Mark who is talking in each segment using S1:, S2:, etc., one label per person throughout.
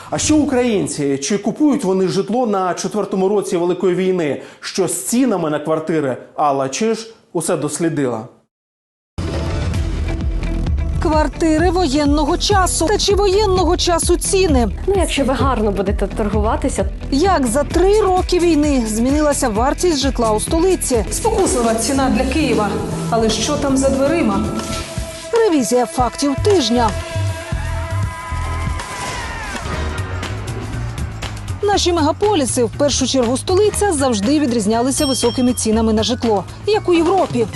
S1: А що українці? Чи купують вони житло на 4-му році Великої війни? Що з цінами на квартири? Алла Чиж усе дослідила.
S2: Квартири воєнного часу. Та чи воєнного часу ціни?
S3: Якщо ви гарно будете торгуватися.
S2: Як за 3 роки війни змінилася вартість житла у столиці? Спокуслива ціна для Києва. Але що там за дверима? Ревізія фактів тижня. Наші мегаполіси, в першу чергу столиця, завжди відрізнялися високими цінами на житло, як у Європі.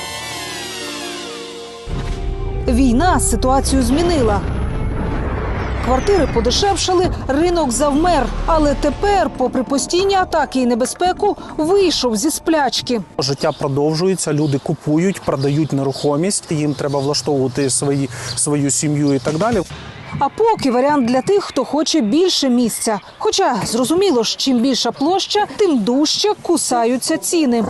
S2: Війна ситуацію змінила. Квартири подешевшали, ринок завмер. Але тепер, попри постійні атаки і небезпеку, вийшов зі сплячки.
S4: Життя продовжується, люди купують, продають нерухомість, їм треба влаштовувати свою сім'ю і так далі.
S2: А поки варіант для тих, хто хоче більше місця. Хоча, зрозуміло ж, чим більша площа, тим дужче кусаються ціни.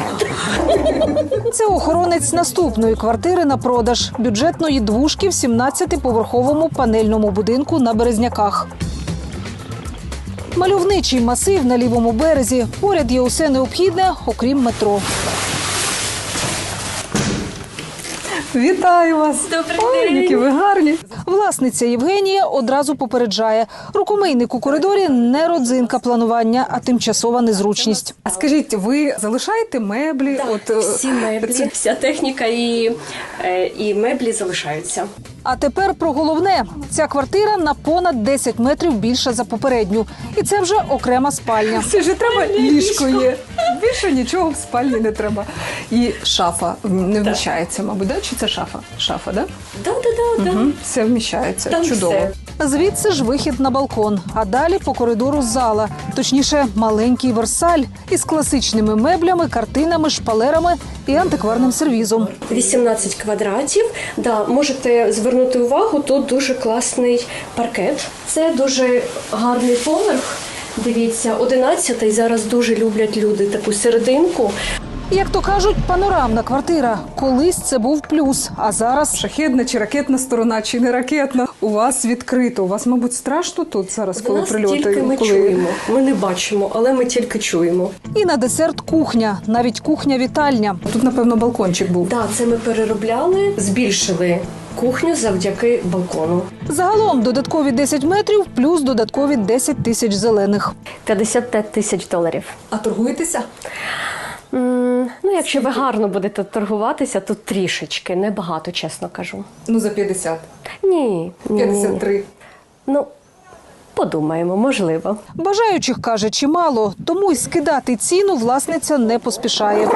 S2: Це охоронець наступної квартири на продаж. Бюджетної двушки в 17-поверховому панельному будинку на Березняках. Мальовничий масив на лівому березі. Поряд є усе необхідне, окрім метро. Вітаю вас!
S3: Добрий день!
S2: Які ви гарні! Власниця Євгенія одразу попереджає. Рукомийник у коридорі – не родзинка планування, а тимчасова незручність. А скажіть, ви залишаєте меблі?
S3: Так, всі меблі, вся техніка і меблі залишаються.
S2: А тепер про головне. Ця квартира на понад 10 метрів більша за попередню. І це вже окрема спальня.
S5: Це ж треба ліжко є. Більше нічого в спальні не треба. І шафа не вміщається, мабуть, да? Чи це шафа? Шафа, да?
S3: Да.
S5: Все вміщається.
S3: Там
S5: чудово.
S3: все.
S2: Звідси ж вихід на балкон, а далі по коридору зала. Точніше, маленький версаль із класичними меблями, картинами, шпалерами і антикварним сервізом.
S3: 18 квадратів. Да, можете звернути увагу, тут дуже класний паркет. Це дуже гарний поверх. Дивіться, 11-й зараз дуже люблять люди таку серединку.
S2: Як то кажуть, панорамна квартира. Колись це був плюс, а зараз...
S5: Шахедна чи ракетна сторона, чи не ракетна. У вас відкрито. У вас, мабуть, страшно тут зараз, коли
S3: Нас
S5: прильоти?
S3: тільки ми чуємо. Ми не бачимо, але ми тільки чуємо.
S2: І на десерт кухня, навіть кухня-вітальня.
S5: Тут, напевно, балкончик був.
S3: Так, це ми переробляли, збільшили кухню завдяки балкону.
S2: Загалом додаткові 10 метрів плюс додаткові 10 тисяч зелених.
S3: $55 000.
S5: А торгуєтеся?
S3: Якщо ви гарно будете торгуватися, то трішечки, небагато, чесно кажу.
S5: Ну, за 50.
S3: Ні.
S5: 53.
S3: Подумаємо, можливо.
S2: Бажаючих, каже, чимало, тому й скидати ціну власниця не поспішає.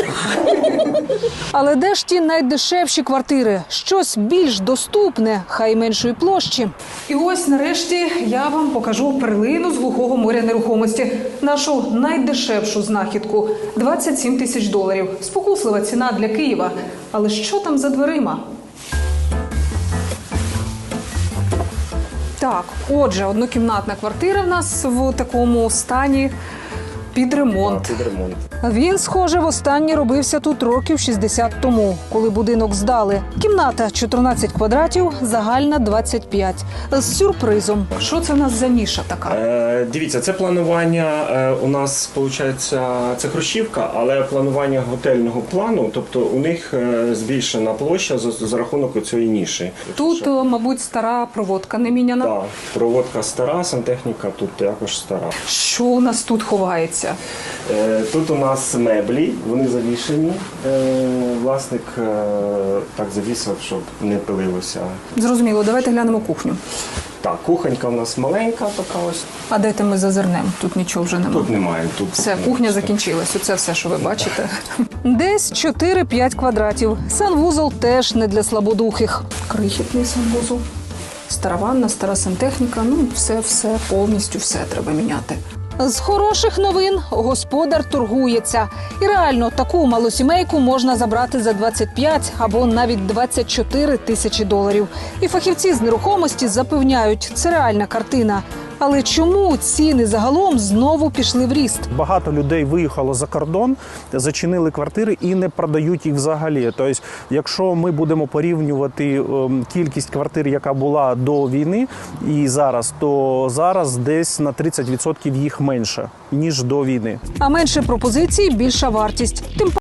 S2: Але де ж ті найдешевші квартири? Щось більш доступне, хай меншої площі.
S5: І ось, нарешті, я вам покажу перлину з глухого моря нерухомості. Нашу найдешевшу знахідку – $27 тисяч. Спокуслива ціна для Києва. Але що там за дверима? Так, отже, однокімнатна квартира в нас в такому стані під ремонт.
S2: Він, схоже, востаннє робився тут років 60 тому, коли будинок здали. Кімната 14 квадратів, загальна 25. З сюрпризом.
S5: Що це в нас за ніша така?
S6: Дивіться, це планування у нас, виходить, це хрущівка, але планування готельного плану, тобто у них збільшена площа за рахунок цієї ніші.
S5: Тут, мабуть, стара проводка не міняна.
S6: Так, проводка стара, сантехніка тут також стара.
S5: Що у нас тут ховається?
S6: Тут у нас меблі, вони завішені. Власник так завісив, щоб не пилилося.
S5: Зрозуміло, давайте глянемо кухню.
S6: Так, кухонька у нас маленька така ось.
S5: А дайте ми зазирнемо? Тут нічого вже немає.
S6: Тут немає. Тут
S5: Все, кухня закінчилась. Оце все, що ви бачите.
S2: Десь 4-5 квадратів. Санвузол теж не для слабодухих.
S5: Крихітний санвузол. Стара ванна, стара сантехніка. Все, повністю все треба міняти.
S2: З хороших новин господар торгується. І реально, таку малосімейку можна забрати за 25 або навіть $24 тисячі. І фахівці з нерухомості запевняють, це реальна картина. Але чому ціни загалом знову пішли в ріст?
S4: Багато людей виїхало за кордон, зачинили квартири і не продають їх взагалі. Тобто, якщо ми будемо порівнювати кількість квартир, яка була до війни і зараз, то зараз десь на 30% їх менше, ніж до війни.
S2: А менше пропозицій – більша вартість. Тим